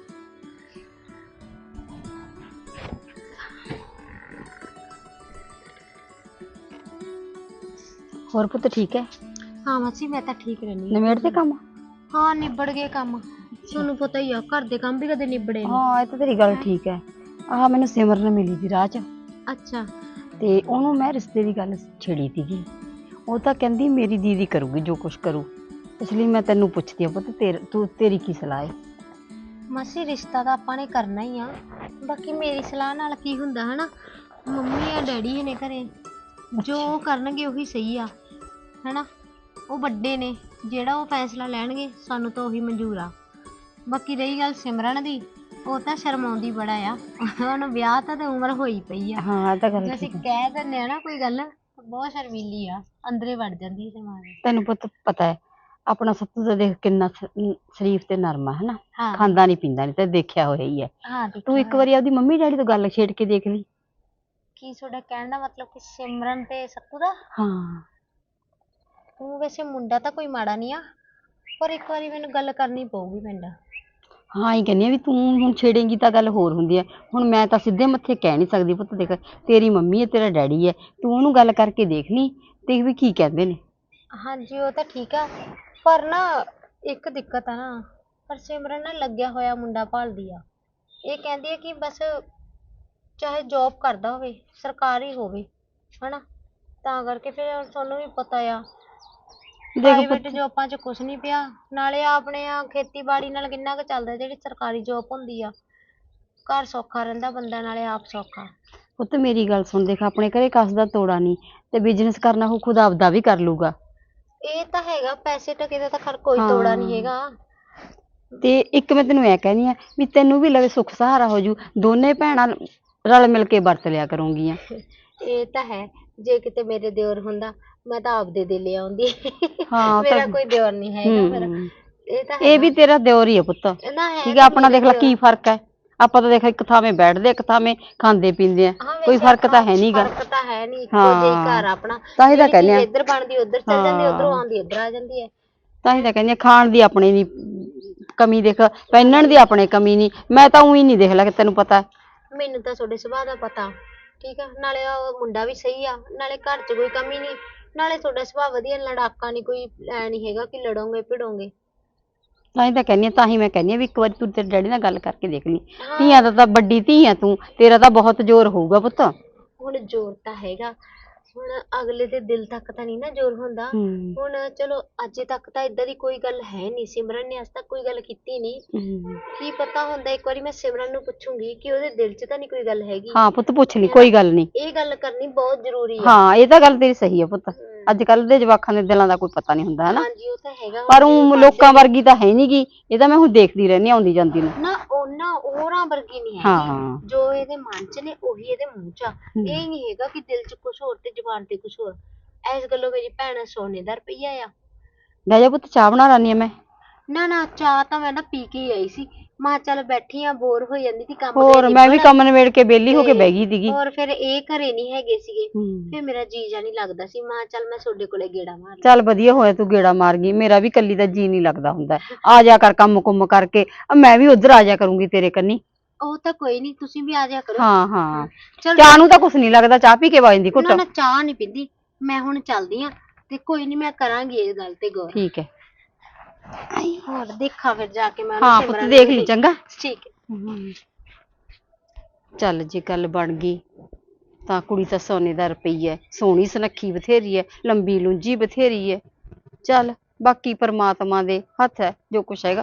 ਹੋਰ ਪੁੱਤ ਠੀਕ ਹੈ? ਹਾਂ ਮਾਸੀ, ਮੈਂ ਤਾਂ ਠੀਕ ਰਹਿੰਦੀ ਨਿਬੇੜ ਤੇ ਕੰਮ? ਹਾਂ ਨਿਬੜ ਗਏ ਕੰਮ। ਤੁਹਾਨੂੰ ਪਤਾ ਹੀ ਆ, ਘਰ ਦੇ ਕੰਮ ਵੀ ਕਦੇ ਨਿਬੜੇ ਨਹੀਂ। ਹਾਂ ਇਹ ਤਾਂ ਤੇਰੀ ਗੱਲ ਠੀਕ ਹੈ। ਆਹ ਮੈਨੂੰ ਸਿਮਰਨ ਮਿਲੀ ਸੀ ਰਾਹ 'ਚ, ਅੱਛਾ। ਤੇ ਉਹਨੂੰ ਮੈਂ ਰਿਸ਼ਤੇ ਦੀ ਗੱਲ ਛੇੜੀ ਸੀਗੀ। ਉਹ ਤਾਂ ਕਹਿੰਦੀ ਮੇਰੀ ਦੀਦੀ ਕਰੂਗੀ ਜੋ ਕੁਛ ਕਰੂ, ਇਸ ਲਈ ਮੈਂ ਤੈਨੂੰ ਪੁੱਛਦੀ ਆ ਪੁੱਤ, ਤੇਰੀ ਕੀ ਸਲਾਹ ਹੈ? ਮਾਸੀ ਰਿਸ਼ਤਾ ਤਾਂ ਆਪਾਂ ਨੇ ਕਰਨਾ ਹੀ ਆ, ਬਾਕੀ ਮੇਰੀ ਸਲਾਹ ਨਾਲ ਕੀ ਹੁੰਦਾ ਹਨਾ। ਮੰਮੀ ਆ ਡੈਡੀ ਨੇ ਘਰੇ, ਜੋ ਉਹ ਕਰਨਗੇ ਉਹੀ ਸਹੀ ਆ ਹਨਾ। ਉਹ ਵੱਡੇ ਨੇ, ਜਿਹੜਾ ਉਹ ਫੈਸਲਾ ਲੈਣਗੇ ਸਾਨੂੰ ਤਾਂ ਉਹੀ ਮਨਜ਼ੂਰ ਆ। ਬਾਕੀ ਰਹੀ ਗੱਲ ਸਿਮਰਨ ਦੀ, ਉਹ ਤਾਂ ਸ਼ਰਮਾਉਂਦੀ ਬੜਾ ਆ, ਉਹਨੂੰ ਵਿਆਹ ਤਾਂ ਤੇ ਉਮਰ ਹੋਈ ਪਈ ਆ। ਹਾਂ ਇਹ ਤਾਂ ਗੱਲ ਜੇ ਅਸੀਂ ਠੀਕ ਹੈ। ਕਹਿ ਦਿੰਦੇ ਆ ਨਾ ਕੋਈ ਗੱਲ, ਬਹੁਤ ਸ਼ਰਮੀਲੀ ਆ, ਅੰਦਰੇ ਵੜ ਜਾਂਦੀ ਹੈ ਦਿਮਾਗ। ਤੈਨੂੰ ਪੁੱਤ ਪਤਾ ਹੈ ਆਪਣਾ ਸੱਤੂ ਦਾ ਦੇਖ ਕਿੰਨਾ ਸ਼ਰੀਫ ਤੇ ਨਰਮ ਆ ਹਨਾ, ਹਾਂ ਖਾਂਦਾ ਨਹੀਂ ਪੀਂਦਾ ਨਹੀਂ, ਤੇ ਦੇਖਿਆ ਹੋਇਆ ਹੀ ਹੈ। ਹਾਂ ਤੂੰ ਦੇਖਿਆ ਇੱਕ ਹੋਇਆ। ਵਾਰੀ ਆਪਦੀ ਮੰਮੀ ਡੈਡੀ ਤੋਂ ਗੱਲ ਛੇੜ ਕੇ ਦੇਖ ਲਈ। ਕੀ ਤੁਹਾਡਾ ਕਹਿਣ ਦਾ ਮਤਲਬ ਕਿ ਸਿਮਰਨ ਤੇ ਸੱਤੂ ਦਾ? ਹਾਂ ਉਹ ਵੈਸੇ ਮੁੰਡਾ ਤਾਂ ਕੋਈ ਮਾੜਾ ਨਹੀਂ ਆ, ਪਰ ਇੱਕ ਵਾਰੀ ਮੈਨੂੰ ਗੱਲ ਕਰਨੀ ਪਊਗੀ ਪਿੰਡ। ਹਾਂ ਹੀ ਕਹਿੰਦੀ ਆ ਵੀ ਤੂੰ ਹੁਣ ਛੇੜੇਂਗੀ ਤਾਂ ਗੱਲ ਹੋਰ ਹੁੰਦੀ ਹੈ। ਹੁਣ ਮੈਂ ਤਾਂ ਸਿੱਧੇ ਮੱਥੇ ਕਹਿ ਨਹੀਂ ਸਕਦੀ ਪੁੱਤ, ਦੇਖ ਤੇਰੀ ਮੰਮੀ ਹੈ, ਤੇਰਾ ਡੈਡੀ ਹੈ, ਤੂੰ ਉਹਨੂੰ ਗੱਲ ਕਰਕੇ ਦੇਖ ਲਈ ਤੇ ਵੀ ਕੀ ਕਹਿੰਦੇ ਨੇ। ਹਾਂਜੀ ਉਹ ਤਾਂ ਠੀਕ ਆ, ਪਰ ਨਾ ਇੱਕ ਦਿੱਕਤ ਆ ਨਾ, ਪਰ ਸਿਮਰਨ ਨਾ ਲੱਗਿਆ ਹੋਇਆ ਮੁੰਡਾ ਭਾਲਦੀ ਆ। ਇਹ ਕਹਿੰਦੀ ਹੈ ਕਿ ਬਸ ਚਾਹੇ ਜੋਬ ਕਰਦਾ ਹੋਵੇ, ਸਰਕਾਰੀ ਹੋਵੇ ਹਨਾ, ਤਾਂ ਕਰਕੇ ਫਿਰ ਤੁਹਾਨੂੰ ਵੀ ਪਤਾ ਆ ਦੇਖ ਪ੍ਰਾਈਵੇਟ ਪੁੱਤ ਜੋਬਾਂ 'ਚ ਕੁਛ ਨਹੀਂ ਪਿਆ। ਨਾਲੇ ਆਪਣੇ ਆ ਖੇਤੀਬਾੜੀ ਨਾਲ ਕਿੰਨਾ ਕੁ ਚੱਲਦਾ, ਜਿਹੜੀ ਸਰਕਾਰੀ ਜੋਬ ਹੁੰਦੀ ਆ, ਘਰ ਸੌਖਾ ਰਹਿੰਦਾ ਬੰਦਾ, ਨਾਲੇ ਆਪ ਸੌਖਾ। ਪੁੱਤ ਮੇਰੀ ਗੱਲ ਸੁਣ, ਦੇਖ ਆਪਣੇ ਘਰੇ ਕਸ ਦਾ ਤੋੜਾ ਨਹੀਂ, ਤੇ ਬਿਜ਼ਨਸ ਕਰਨਾ ਉਹ ਖੁਦ ਆਪਦਾ ਵੀ ਕਰ ਲੂਗਾ। ਇਹ ਤਾਂ ਹੈਗਾ, ਪੈਸੇ ਟਕੇ ਦਾ ਤਾਂ ਖਰ ਕੋਈ ਤੋੜਾ ਨਹੀਂ ਹੈਗਾ। ਤੇ ਇੱਕ ਮੈਂ ਤੈਨੂੰ ਐ ਕਹਿੰਦੀ ਆ ਵੀ ਤੈਨੂੰ ਵੀ ਲਵੇ ਸੁੱਖ ਸਹਾਰਾ ਹੋ ਜੂ, ਦੋਨੇ ਭੈਣਾਂ ਰਲ ਮਿਲ ਕੇ ਵਰਤ ਲਿਆ ਕਰੂੰਗੀਆਂ। ਇਹ ਤਾਂ ਹੈ, ਜੇ ਕਿਤੇ ਮੇਰੇ ਦਿਓਰ ਹੁੰਦਾ ਮੈਂ ਤਾਂ ਆਪਦੇ ਦੇ ਲੈ ਆਉਂਦੀ। ਹਾਂ ਮੇਰਾ ਤਾਂ ਕੋਈ ਦਿਓਰ ਨਹੀਂ ਹੈਗਾ ਫਿਰ। ਇਹ ਤਾਂ ਇਹ ਵੀ ਤੇਰਾ ਦਿਓਰ ਹੀ ਆ ਪੁੱਤ, ਨਾ ਹੈ ਠੀਕ ਹੈ। ਆਪਣਾ ਦੇਖ ਲੈ ਕੀ ਫਰਕ ਹੈ, ਆਪਾਂ ਤਾਂ ਦੇਖ ਇੱਕ ਥਾਵੇਂ ਬੈਠਦੇ ਇੱਕ ਥਾਵੇਂ ਖਾਂਦੇ ਪੀਂਦੇ ਆ, ਕੋਈ ਫਰਕ ਤਾਂ ਹੈ ਨਹੀਂਗਾ। ਫਰਕ ਤਾਂ ਹੈ ਨਹੀਂ, ਇੱਕੋ ਜਿਹਾ ਘਰ ਆਪਣਾ। ਤਾਂ ਹੀ ਤਾਂ ਕਹਿੰਦੇ ਆ, ਇੱਧਰ ਬਣਦੀ ਉੱਧਰ ਚੱਲ ਜਾਂਦੀ, ਉੱਧਰੋਂ ਆਉਂਦੀ ਇੱਧਰ ਆ ਜਾਂਦੀ ਹੈ। ਤਾਂ ਹੀ ਤਾਂ ਕਹਿੰਦੀ ਆ, ਖਾਣ ਦੀ ਆਪਣੇ ਨਹੀਂ ਕਮੀ, ਦੇਖ ਪਹਿਨਣ ਦੀ ਆਪਣੇ ਕਮੀ ਨਹੀਂ। ਮੈਂ ਤਾਂ ਉਹੀ ਨਹੀਂ ਦੇਖ ਲੈ, ਤੈਨੂੰ ਪਤਾ। ਮੈਨੂੰ ਤਾਂ ਤੁਹਾਡੇ ਸੁਭਾਅ ਦਾ ਪਤਾ, ਠੀਕ ਆ। ਨਾਲੇ ਉਹ ਮੁੰਡਾ ਵੀ ਸਹੀ ਆ, ਨਾਲੇ ਘਰ 'ਚ ਕੋਈ ਕਮੀ ਨਹੀਂ, ਨਾਲੇ ਤੁਹਾਡਾ ਸੁਭਾਅ ਵਧੀਆ, ਲੜਾਕਾ ਨਹੀਂ, ਕੋਈ ਐ ਨਹੀਂ ਹੈਗਾ ਕਿ ਲੜੋਗੇ ਭਿੜੋਗੇ। ਤਾਂ ਹੀ ਤਾਂ ਕਹਿੰਦੀ ਆ, ਤਾਂ ਹੀ ਮੈਂ ਕਹਿੰਦੀ ਆ ਵੀ ਇੱਕ ਵਾਰੀ ਤੂੰ ਤੇਰੇ ਡੈਡੀ ਨਾਲ ਗੱਲ ਕਰਕੇ ਦੇਖ ਲਈ। ਧੀਆਂ ਦਾ ਤਾਂ ਵੱਡੀ ਧੀ ਆ ਤੂੰ, ਤੇਰਾ ਤਾਂ ਬਹੁਤ ਜ਼ੋਰ ਹੋਊਗਾ ਪੁੱਤ। ਹੁਣ ਜ਼ੋਰ ਤਾਂ ਹੈਗਾ, ਹੁਣ ਅਗਲੇ ਦੇ ਦਿਲ ਤੱਕ ਤਾਂ ਨਹੀਂ ਨਾ ਜ਼ੋਰ ਹੁੰਦਾ। ਹੁਣ ਚਲੋ ਅੱਜ ਤੱਕ ਤਾਂ ਇਦਾਂ ਦੀ ਕੋਈ ਗੱਲ ਹੈ ਨਹੀਂ, ਸਿਮਰਨ ਨੇ ਅੱਜ ਤੱਕ ਕੋਈ ਗੱਲ ਕੀਤੀ ਨਹੀਂ। ਕੀ ਪਤਾ ਹੁੰਦਾ, ਇੱਕ ਵਾਰੀ ਮੈਂ ਸਿਮਰਨ ਨੂੰ ਪੁੱਛੂੰਗੀ ਕਿ ਉਹਦੇ ਦਿਲ 'ਚ ਤਾਂ ਨਹੀਂ ਕੋਈ ਗੱਲ ਹੈਗੀ। ਹਾਂ ਪੁੱਤ ਪੁੱਛ ਲਈ, ਕੋਈ ਗੱਲ ਨਹੀਂ। ਇਹ ਗੱਲ ਕਰਨੀ ਬਹੁਤ ਜ਼ਰੂਰੀ ਹੈ। ਹਾਂ ਇਹ ਤਾਂ ਗੱਲ ਤੇਰੀ ਸਹੀ ਆ ਪੁੱਤ, ਅੱਜ ਕੱਲ ਦੇ ਜਵਾਕਾਂ ਦੇ ਦਿਲਾਂ ਦਾ ਕੋਈ ਪਤਾ ਨਹੀਂ ਹੁੰਦਾ ਹਨਾ। ਹਾਂਜੀ ਉਹ ਤਾਂ ਹੈਗਾ, ਪਰ ਉਹ ਲੋਕਾਂ ਵਰਗੀ ਤਾਂ ਹੈ ਨੀ ਗੀ, ਇਹ ਤਾਂ ਮੈਂ ਹੁਣ ਦੇਖਦੀ ਰਹਿੰਦੀ ਆਉਂਦੀ ਜਾਂਦੀ ਨੂੰ। ਨਾ ਉਹਨਾਂ ਹੋਰਾਂ ਵਰਗੀ ਨਹੀਂ ਹੈ। ਹਾਂ ਜੋ ਇਹਦੇ ਮਨ 'ਚ ਨੇ ਉਹੀ ਇਹਦੇ ਮੂੰਹ 'ਚ ਆ। ਇਹ ਨਹੀਂ ਹੈਗਾ ਕਿ ਦਿਲ 'ਚ ਕੁਝ ਹੋਰ ਤੇ ਜ਼ੁਬਾਨ ਤੇ ਕੁਝ ਹੋਰ। ਇਸ ਗੱਲੋਂ ਮੇਰੀ ਭੈਣ ਸੋਨੇ ਦਾ ਰੁਪਈਆ ਆ। ਲੈ ਜਾ ਪੁੱਤ, ਚਾਹ ਬਣਾ ਲਾਨੀ ਆ ਮੈਂ। ਨਾ ਚਾਹ ਤਾਂ ਮੈਂ ਨਾ ਪੀ ਕੇ ਹੀ ਆਈ ਸੀ। ਮਾਂ ਚੱਲ ਬੈਠੀ ਆ, ਬੋਰ ਹੋ ਜਾਂਦੀ ਸੀ ਕੰਮ ਹੋਰ ਮੈਂ ਵੀ ਕੰਮ ਨਿਬੇੜ ਕੇ ਵਿਹਲੀ ਹੋ ਕੇ ਬਹਿ ਗਈ ਸੀਗੀ। ਹੋਰ ਫਿਰ ਇਹ ਘਰੇ ਨਹੀਂ ਹੈਗੇ ਸੀਗੇ, ਫਿਰ ਮੇਰਾ ਜੀ ਜਾ ਨਹੀਂ ਲੱਗਦਾ ਸੀ। ਮਾਂ ਚੱਲ ਮੈਂ ਤੁਹਾਡੇ ਕੋਲੇ ਗੇੜਾ ਮਾਰ ਚੱਲ ਵਧੀਆ ਹੋਇਆ ਤੂੰ ਗੇੜਾ ਮਾਰ ਗਈ, ਮੇਰਾ ਵੀ ਕੱਲੀ ਦਾ ਜੀ ਨਹੀਂ ਲੱਗਦਾ ਹੁੰਦਾ। ਆ ਜਾ ਕਰ ਕੰਮ ਕੁੰਮ ਕਰਕੇ, ਮੈਂ ਵੀ ਉਧਰ ਆ ਜਾ ਕਰੂੰਗੀ ਤੇਰੇ ਕੰਨੀ। ਉਹ ਤਾਂ ਕੋਈ ਨਹੀਂ, ਤੁਸੀਂ ਵੀ ਆ ਜਾ ਕਰੋ। ਹਾਂ ਚਲ ਚਾਹ ਨੂੰ ਤਾਂ ਕੁਛ ਨਹੀਂ ਲੱਗਦਾ, ਚਾਹ ਪੀ ਕੇ ਵਗ ਜਾਂਦੀ ਘੁੱਟ। ਨਾ ਚਾਹ ਨਹੀਂ ਪੀਂਦੀ ਮੈਂ, ਹੁਣ ਚੱਲਦੀ ਆ। ਤੇ ਕੋਈ ਨਹੀਂ, ਮੈਂ ਕਰਾਂਗੀ ਇਸ ਗੱਲ ਤੇ ਗੌਰ। ਠੀਕ ਹੈ। ਹੋਰ ਦੇਖਾਂ ਫਿਰ ਜਾ ਕੇ ਮੈਂ ਹਾਂ ਪੁੱਤ ਦੇਖ ਲਈ ਚੰਗਾ। ਠੀਕ ਹੈ। ਚੱਲ ਜੇ ਗੱਲ ਬਣ ਗਈ ਤਾਂ ਕੁੜੀ ਤਾਂ ਸੋਨੇ ਦਾ ਰੁਪਈਆ, ਸੋਹਣੀ ਸੁਨੱਖੀ ਬਥੇਰੀ ਹੈ, ਲੰਬੀ ਲੁੰਜੀ ਬਥੇਰੀ ਹੈ। ਚੱਲ ਬਾਕੀ ਪਰਮਾਤਮਾ ਦੇ ਹੱਥ ਹੈ ਜੋ ਕੁਛ ਹੈਗਾ।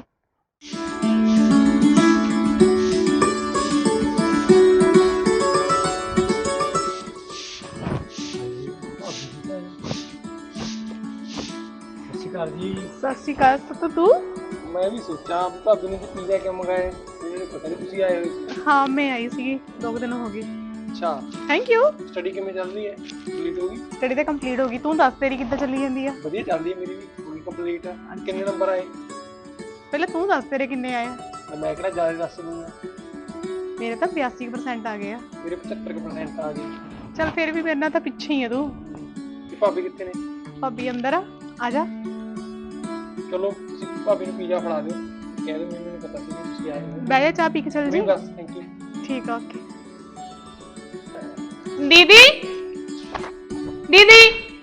ਸਤਿ ਸ਼੍ਰੀ ਅਕਾਲ ਸਤੂ। ਤੂੰ? ਮੈਂ ਵੀ ਸੋਚਾਂ ਭਾਬੀ ਨੇ ਪੀਜ਼ਾ ਕਿਉਂ ਮੰਗਾਇਆ, ਮੈਨੂੰ ਪਤਾ ਨਹੀਂ ਤੁਸੀਂ ਆਏ ਹੋਏ ਸੀ। ਹਾਂ ਮੈਂ ਆਈ ਸੀਗੀ, 2 ਦਿਨ ਹੋ ਗਏ। ਅੱਛਾ, ਥੈਂਕ ਯੂ। ਸਟੱਡੀ ਕਿਵੇਂ ਚੱਲ ਰਹੀ ਹੈ? ਕੰਪਲੀਟ ਹੋ ਗਈ? ਸਟੱਡੀ ਤਾਂ ਕੰਪਲੀਟ ਹੋ ਗਈ, ਤੂੰ ਦੱਸ ਤੇਰੀ ਕਿੱਦਾਂ ਚੱਲੀ ਜਾਂਦੀ ਆ? ਵਧੀਆ ਚੱਲਦੀ ਹੈ ਮੇਰੀ ਵੀ, ਪੂਰੀ ਕੰਪਲੀਟ ਆ। ਕਿੰਨੇ ਨੰਬਰ ਆਏ? ਪਹਿਲਾਂ ਤੂੰ ਦੱਸ ਤੇਰੇ ਕਿੰਨੇ ਆਏ ਆ? ਮੈਂ ਕਿਹੜਾ ਜ਼ਿਆਦਾ ਦੱਸ ਦੂੰਗਾ। ਮੇਰੇ ਤਾਂ 82% ਆ ਗਏ ਆ। ਮੇਰੇ 75% ਆ ਗਏ। ਚੱਲ ਫਿਰ ਵੀ ਮੇਰੇ ਨਾਲ ਤਾਂ ਪਿੱਛੇ ਹੀ ਆ ਤੂੰ। ਤੇ ਭਾਬੀ ਕਿੱਥੇ ਨੇ? ਭਾਬੀ ਅੰਦਰ ਆ ਜਾ। ਚਲੋ ਤੁਸੀਂ ਭਾਬੀ ਨੂੰ ਪੀਜ਼ਾ ਫੜਾ ਦਿਓ, ਕਹਿ ਦਿਓ ਮੈਨੂੰ ਪਤਾ ਸੀ ਕਿ ਤੁਸੀਂ ਆਏ ਹੋ। ਬਹਿ ਜਾ, ਚਾਹ ਪੀ ਕੇ ਚੱਲ ਜੀ। ਬਸ ਥੈਂਕ ਯੂ। ਠੀਕ ਆ, ਓਕੇ। ਦੀਦੀ ਦੀਦੀ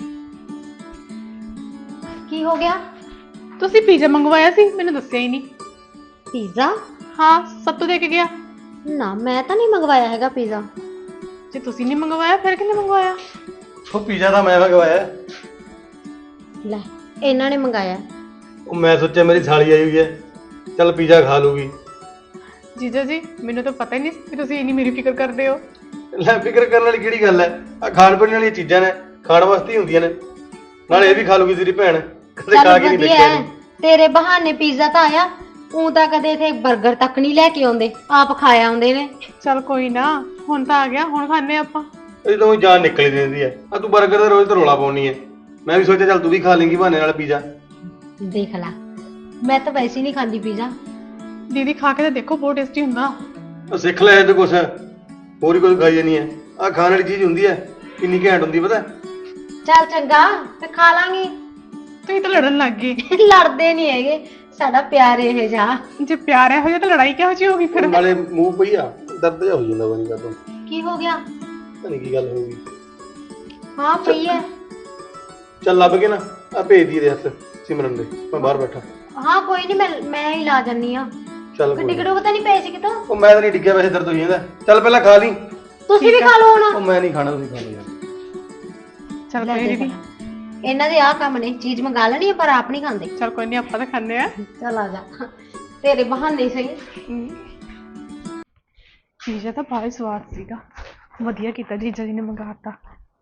ਕੀ ਹੋ ਗਿਆ? ਤੁਸੀਂ ਪੀਜ਼ਾ ਮੰਗਵਾਇਆ ਸੀ, ਮੈਨੂੰ ਦੱਸਿਆ ਹੀ ਨਹੀਂ। ਪੀਜ਼ਾ? ਹਾਂ ਸੱਤੂ ਦੇ ਕੇ ਗਿਆ। ਨਾ ਮੈਂ ਤਾਂ ਨਹੀਂ ਮੰਗਵਾਇਆ ਹੈਗਾ ਪੀਜ਼ਾ। ਜੇ ਤੁਸੀਂ ਨਹੀਂ ਮੰਗਵਾਇਆ ਫਿਰ ਕਿਹਨੇ ਮੰਗਵਾਇਆ? ਉਹ ਪੀਜ਼ਾ ਤਾਂ ਮੈਂ ਮੰਗਵਾਇਆ। ਲੈ ਇਹਨਾਂ ਨੇ ਮੰਗਾਇਆ। ਉਹ ਮੈਂ ਸੋਚਿਆ ਮੇਰੀ ਸਾਲੀ ਆਈ ਹੋਈ ਹੈ, ਚੱਲ ਪੀਜ਼ਾ ਖਾ ਲੂਗੀ। ਜੀਜਾ ਜੀ ਮੈਨੂੰ ਤਾਂ ਪਤਾ ਹੀ ਨਹੀਂ ਕਿ ਤੁਸੀਂ ਇੰਨੀ ਮੇਰੀ ਫਿਕਰ ਕਰਦੇ ਹੋ। ਲੈ ਫਿਕਰ ਕਰਨ ਵਾਲੀ ਕਿਹੜੀ ਗੱਲ ਹੈ, ਆ ਖਾਣ ਪੀਣ ਵਾਲੀਆਂ ਚੀਜ਼ਾਂ ਨੇ, ਖਾਣ ਵਾਸਤੇ ਹੀ ਹੁੰਦੀਆਂ ਨੇ। ਨਾਲੇ ਇਹ ਵੀ ਖਾ ਲੂਗੀ ਤੇਰੀ ਭੈਣ, ਕਦੇ ਖਾ ਕੇ ਨਹੀਂ ਦੇਖਿਆ। ਤੇਰੇ ਬਹਾਨੇ ਪੀਜ਼ਾ ਤਾਂ ਆਇਆ, ਉਹ ਤਾਂ ਕਦੇ ਇਥੇ 버ਗਰ ਤੱਕ ਨਹੀਂ ਲੈ ਕੇ ਆਉਂਦੇ, ਆਪ ਖਾਇਆ ਆਉਂਦੇ ਨੇ। ਚੱਲ ਕੋਈ ਨਾ, ਹੁਣ ਤਾਂ ਆ ਗਿਆ, ਹੁਣ ਖਾਣੇ ਆਪਾਂ। ਇਹ ਤਾਂ ਜਾਨ ਨਿਕਲ ਜਾਂਦੀ ਹੈ। ਆ ਤੂੰ 버ਗਰ ਦਾ ਰੋਜ਼ ਤਾਂ ਰੋਲਾ ਪਾਉਣੀ ਹੈ। ਮੈਂ ਵੀ ਸੋਚਿਆ ਚੱਲ ਤੂੰ ਵੀ ਖਾ ਲੇਂਗੀ ਬਹਾਨੇ ਨਾਲ ਪੀਜ਼ਾ। ਦੇਖ ਲੈ, ਮੈਂ ਤਾਂ ਵੈਸੇ ਹੀ ਨਹੀਂ ਖਾਂਦੀ ਪੀਜ਼ਾ। ਦੀਦੀ ਖਾ ਕੇ ਤਾਂ ਦੇਖੋ, ਬਹੁਤ ਟੇਸਟੀ ਹੁੰਦਾ। ਉਹ ਸਿੱਖ ਲੈ ਇਹ ਤੇ ਕੁਛ, ਹੋਰ ਹੀ ਕੁਝ ਖਾਈ ਜਾਨੀ ਹੈ। ਆ ਖਾਣ ਵਾਲੀ ਚੀਜ਼ ਹੁੰਦੀ ਹੈ, ਕਿੰਨੀ ਘੈਂਟ ਹੁੰਦੀ ਪਤਾ। ਚੱਲ ਚੰਗਾ, ਤੇ ਖਾ ਲਾਂਗੀ। ਤੁਸੀਂ ਤਾਂ ਲੜਨ ਲੱਗ ਗਏ। ਲੜਦੇ ਨਹੀਂ ਹੈਗੇ, ਸਾਡਾ ਪਿਆਰ ਇਹ ਜਾ। ਜੇ ਪਿਆਰ ਇਹੋ ਜਿਹਾ ਤਾਂ ਲੜਾਈ ਕਿਹੋ ਜਿਹੀ ਹੋਗੀ ਫਿਰ? ਨਾਲੇ ਮੂੰਹ ਪਈ ਆ, ਦਰਦ ਜਿਹਾ ਹੋ ਜਾਂਦਾ ਬਣੀ ਕਦੋਂ। ਕੀ ਹੋ ਗਿਆ? ਪਤਾ ਨਹੀਂ ਕੀ ਗੱਲ ਹੋ ਗਈ। ਹਾਂ ਪਈ ਹੈ। ਚੱਲ ਲੱਭ ਕੇ ਨਾ ਆ ਭੇਜ ਦੀ ਇਹਦੇ ਹੱਥ ਸਿਮਰਨ ਦੇ, ਮੈਂ ਬਾਹਰ ਬੈਠਾ। ਹਾਂ ਕੋਈ ਨਹੀਂ, ਮੈਂ ਹੀ ਲਾ ਜੰਨੀ ਆ। ਚੱਲ ਗੱਡੀ ਕਿਹੜੋ ਪਤਾ ਨਹੀਂ ਪਏ ਸੀ ਕਿਤੋਂ। ਉਹ ਮੈਂ ਤਾਂ ਨਹੀਂ ਡਿੱਗਿਆ, ਵੈਸੇ ਦਰਦ ਹੋ ਜਾਂਦਾ। ਚੱਲ ਪਹਿਲਾਂ ਖਾ ਲਈ। ਤੁਸੀਂ ਵੀ ਖਾ ਲਓ ਹੁਣ। ਉਹ ਮੈਂ ਨਹੀਂ ਖਾਣਾ, ਤੁਸੀਂ ਖਾ ਲਓ ਯਾਰ। ਚੱਲ ਕੋਈ ਨਹੀਂ ਦੀਦੀ, ਇਹਨਾਂ ਦੇ ਆਹ ਕੰਮ ਨੇ, ਚੀਜ਼ ਮੰਗਾ ਲੈਣੀ ਹੈ ਪਰ ਆਪ ਨਹੀਂ ਖਾਂਦੇ। ਚੱਲ ਕੋਈ ਨਹੀਂ, ਆਪਾਂ ਤਾਂ ਖਾਣੇ ਆ। ਚੱਲ ਆ ਜਾ, ਤੇਰੇ ਬਹਾਨੇ ਸਹੀ। ਪੀਜ਼ਾ ਤਾਂ ਬਹੁਤ ਸਵਾਦ ਸੀਗਾ। ਵਧੀਆ ਕੀਤਾ ਜੀਜਾ ਜੀ ਨੇ ਮੰਗਾਤਾ।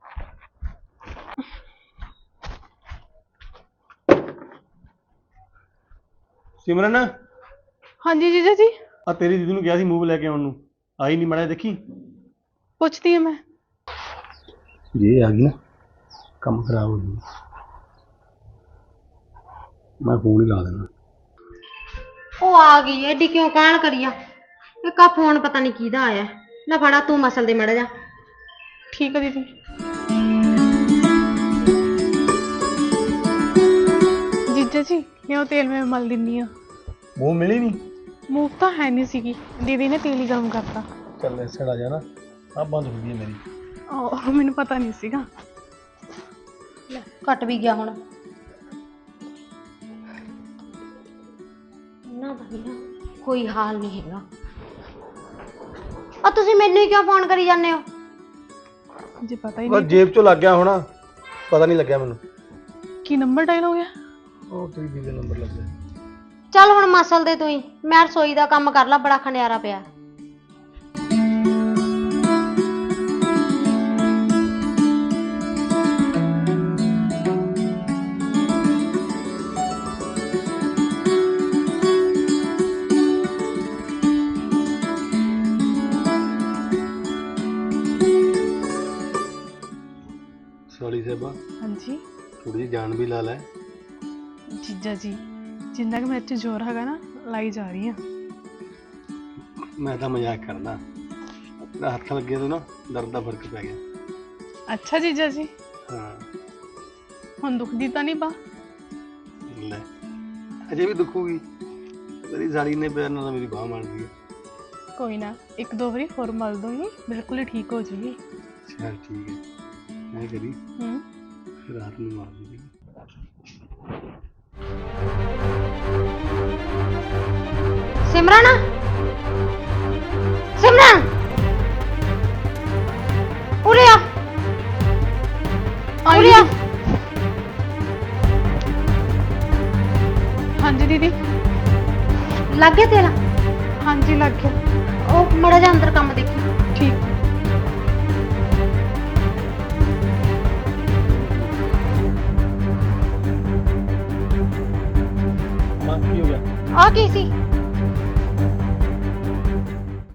ਸਿਮਰਨ ਹਾਂਜੀ ਜੀਜਾ ਜੀ, ਆ ਤੇਰੀ ਦੀਦੀ ਨੂੰ ਕਿਹਾ ਸੀ ਮੂਵ ਲੈ ਕੇ ਆਉਣ ਨੂੰ, ਆਈ ਨਹੀਂ ਮਾੜਾ ਜਿਹਾ ਦੇਖੀ। ਪੁੱਛਦੀ ਹਾਂ ਮੈਂ। ਜੇ ਆ ਗਈ ਨਾ ਕੰਮ ਖਰਾਬ ਹੋ ਜੂ। ਮੈਂ ਫੋਨ ਹੀ ਲਾ ਦੇਣਾ। ਉਹ ਆ ਗਈ ਐਡੀ ਕਿਉਂ ਕਾਹਲ ਕਰੀਆ? ਇੱਕ ਆ ਫੋਨ ਪਤਾ ਨਹੀਂ ਕਿਹਦਾ ਆਇਆ। ਲੈ ਫੜਾ ਤੂੰ ਮਸਲ ਦੇ ਮੜਾ ਜਾ। ਠੀਕ ਹੈ ਦੀਦੀ। ਜੀਜਾ ਜੀ ਲਿਆਓ ਤੇਲ ਮੈਂ ਮਲ ਦਿੰਨੀ ਆ। ਮੂਵ ਮਿਲੀ ਨਹੀਂ? ਮੂਵ ਤਾਂ ਹੈ ਨਹੀਂ ਸੀਗੀ, ਦੀਦੀ ਨੇ ਤੇਲ ਹੀ ਗਰਮ ਕਰਤਾ। ਚੱਲ ਐਸੜ ਆ ਜਾ ਨਾ, ਆ ਬੰਦ ਹੋ ਗਈ ਹੈ ਮੇਰੀ। ਉਹ ਮੈਨੂੰ ਪਤਾ ਨਹੀਂ ਸੀਗਾ। ਲੈ ਕੱਟ ਵੀ ਗਿਆ ਹੁਣ। ਇਹਨਾਂ ਦਾ ਵੀ ਨਾ ਕੋਈ ਹਾਲ ਨਹੀਂ ਹੈਗਾ। ਆ ਤੁਸੀਂ ਮੈਨੂੰ ਹੀ ਕਿਉਂ ਫੋਨ ਕਰੀ ਜਾਂਦੇ ਹੋ? ਜੇ ਪਤਾ ਹੀ ਉਹ ਨਹੀਂ ਜੇਬ ਚੋਂ ਲੱਗ ਗਿਆ ਹੋਣਾ, ਪਤਾ ਨਹੀਂ ਲੱਗਿਆ ਮੈਨੂੰ। ਕੀ ਨੰਬਰ ਡਾਇਲ ਹੋ ਗਿਆ। ਉਹ ਤੇਰੀ ਦੀਦੀ ਦਾ ਨੰਬਰ ਲੱਗ ਗਿਆ। ਚੱਲ ਹੁਣ ਮਸਲ ਦੇ ਤੂੰ ਹੀ, ਮੈਂ ਰਸੋਈ ਦਾ ਕੰਮ ਕਰ ਲਾ, ਬੜਾ ਖੰਡਿਆਰਾ ਪਿਆ। ਸੌਰੀ ਸਾਹਿਬਾ, ਹਾਂਜੀ ਥੋੜੀ ਜਿਹੀ ਜਾਨ ਵੀ ਲਾ ਲੈ। ਜੀਜਾ ਜੀ, ਜਿੰਨਾ ਕਿ ਮੇਰੇ 'ਚ ਜ਼ੋਰ ਹੈਗਾ ਨਾ, ਲਾਈ ਜਾ ਰਹੀ ਆ। ਮੈਂ ਤਾਂ ਮਜ਼ਾਕ ਕਰਦਾ, ਤੇਰਾ ਹੱਥ ਲੱਗੇ ਤੋਂ ਨਾ ਦਰਦ ਦਾ ਫਰਕ ਪੈ ਗਿਆ। ਅੱਛਾ ਜੀਜਾ ਜੀ, ਹਾਂ ਹੁਣ ਦੁਖਦੀ ਤਾਂ ਨਹੀਂ ਬਾ? ਲੈ ਅਜੇ ਵੀ ਦੁਖੂਗੀ, ਤੇਰੀ ਸਾਲੀ ਨੇ ਪਿਆਰ ਨਾਲ ਮੇਰੀ ਬਾਂਹ ਮਾਰ ਲਈ। ਕੋਈ ਨਾ, ਇੱਕ ਦੋ ਵਾਰੀ ਹੋਰ ਮਲ ਦੂੰਗੀ, ਬਿਲਕੁਲ ਹੀ ਠੀਕ ਹੋ ਜੂਗੀ। ਚੱਲ ਠੀਕ ਹੈ, ਮੈਂ ਕਰੀ ਰਾਤ ਨੂੰ ਮਾਰ ਦੂੰਗੀ। ਸਿਮਰਨ, ਸਿਮਰਨ ਉਰੇ ਆ, ਉਰੇ ਆ। ਹਾਂਜੀ ਦੀਦੀ। ਲੱਗ ਗਿਆ ਤੇਰਾ? ਹਾਂਜੀ ਲੱਗ ਗਿਆ। ਉਹ ਮੜਾ ਜਾ ਅੰਦਰ ਕੰਮ ਦੇਖੀ। ਠੀਕ। ਹਾਂ ਕੀ ਹੋ ਗਿਆ? ਆ ਕੀ ਸੀ?